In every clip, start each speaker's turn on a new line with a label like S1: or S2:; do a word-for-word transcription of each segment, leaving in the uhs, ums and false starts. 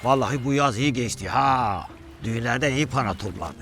S1: Vallahi bu yaz iyi geçti ha. Düğünlerde iyi para topladım.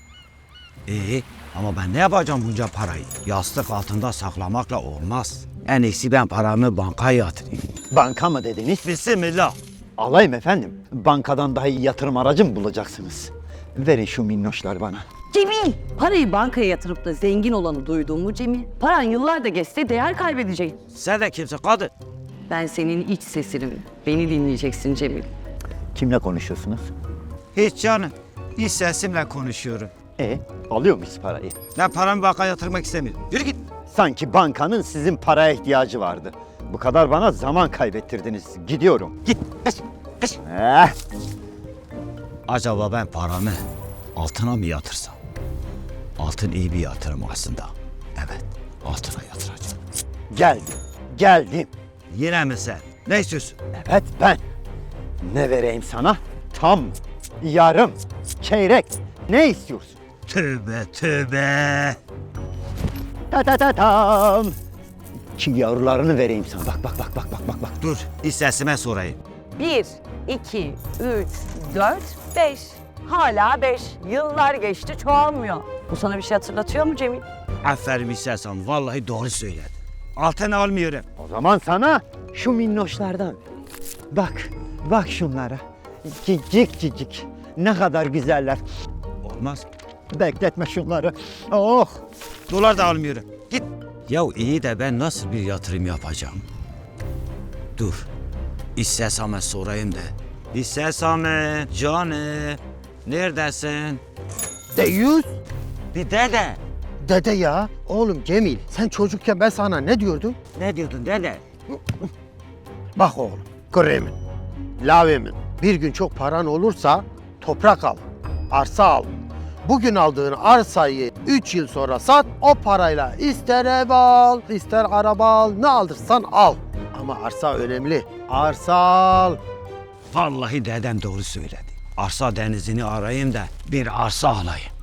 S1: İyi ama ben ne yapacağım bunca parayı? Yastık altında saklamakla olmaz. En iyisi ben paramı bankaya yatırayım.
S2: Banka mı dediniz?
S1: Bismillah.
S2: Alayım efendim. Bankadan daha iyi yatırım aracı mı bulacaksınız? Verin şu minnoşlar bana.
S3: Cemil! Parayı bankaya yatırıp da zengin olanı duydun mu Cemil? Paran yıllarda geçse değer kaybedecek.
S1: Sen de kimsin kadın?
S3: Ben senin iç sesinim. Beni dinleyeceksin Cemil.
S2: Kimle konuşuyorsunuz?
S1: Hiç canım. Hiç sesimle konuşuyorum.
S2: E alıyor muyuz parayı?
S1: Ben paramı bankaya yatırmak istemiyorum. Yürü git.
S2: Sanki bankanın sizin paraya ihtiyacı vardı. Bu kadar bana zaman kaybettirdiniz. Gidiyorum.
S1: Git. Kış. Kış.
S2: Eh,
S1: Acaba ben paramı altına mı yatırsam? Altın iyi bir yatırım aslında. Evet, altına yatıracağım.
S2: geldim. Geldim.
S1: Yine mi sen? Ne istiyorsun?
S2: Evet ben. Ne vereyim sana? Tam, yarım, çeyrek. Ne istiyorsun?
S1: Tövbe tövbe.
S2: Ta ta ta tam. Ki yavrularını vereyim sana. Bak bak bak bak bak bak bak.
S1: Dur, bir sesime sorayım.
S3: Bir, iki, üç, dört, beş. Hala beş. Yıllar geçti çoğalmıyor. Bu sana bir şey hatırlatıyor mu Cemil?
S1: Aferin istersen, vallahi doğru söyledin. Altın almıyorum.
S2: O zaman sana şu minnoşlardan. Bak, bak şunlara. Cicik cicik. Ne kadar güzeller.
S1: Olmaz.
S2: Bekletme şunları. Oh.
S1: Dolar da almıyorum. Git. Ya iyi de ben nasıl bir yatırım yapacağım? Dur. İstesame sorayım da. İstesame canım. Neredesin?
S4: Deyyus?
S1: Bir dede.
S4: Dede ya. Oğlum Cemil, sen çocukken ben sana ne diyordum?
S1: Ne diyordun dede?
S4: Bak oğlum, Kremin, Lavemin. Bir gün çok paran olursa toprak al, arsa al. Bugün aldığın arsayı üç yıl sonra sat, o parayla ister ev al, ister araba al, ne alırsan al. Ama arsa önemli, arsa al.
S1: Vallahi dedem doğru söyledi. Arsa denizini arayayım da bir arsa alayım.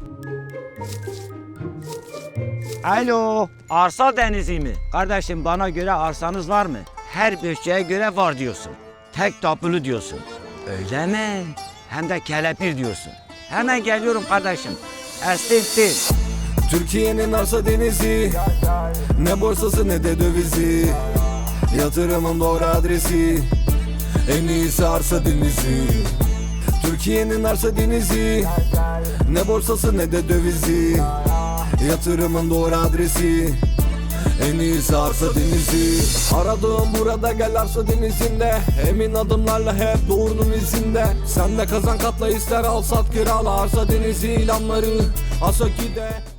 S1: Alo, arsa denizi mi? Kardeşim bana göre arsanız var mı? Her bütçeye göre var diyorsun. Tek tapulu diyorsun. Öyle mi? Hem de kelepir diyorsun. Hemen geliyorum kardeşim. Estintin.
S5: Türkiye'nin arsa denizi, ne borsası ne de dövizi. Yatırımın doğru adresi, en iyisi arsa denizi. Türkiye'nin arsa denizi, ne borsası ne de dövizi. Yatırımın doğru adresi, en iyisi arsa denizi. Aradığım burada, gel arsa denizinde. Emin adımlarla hep doğrunun izinde. Sen de kazan katla, ister al sat kirala. Arsa denizi ilanları Asaki'de.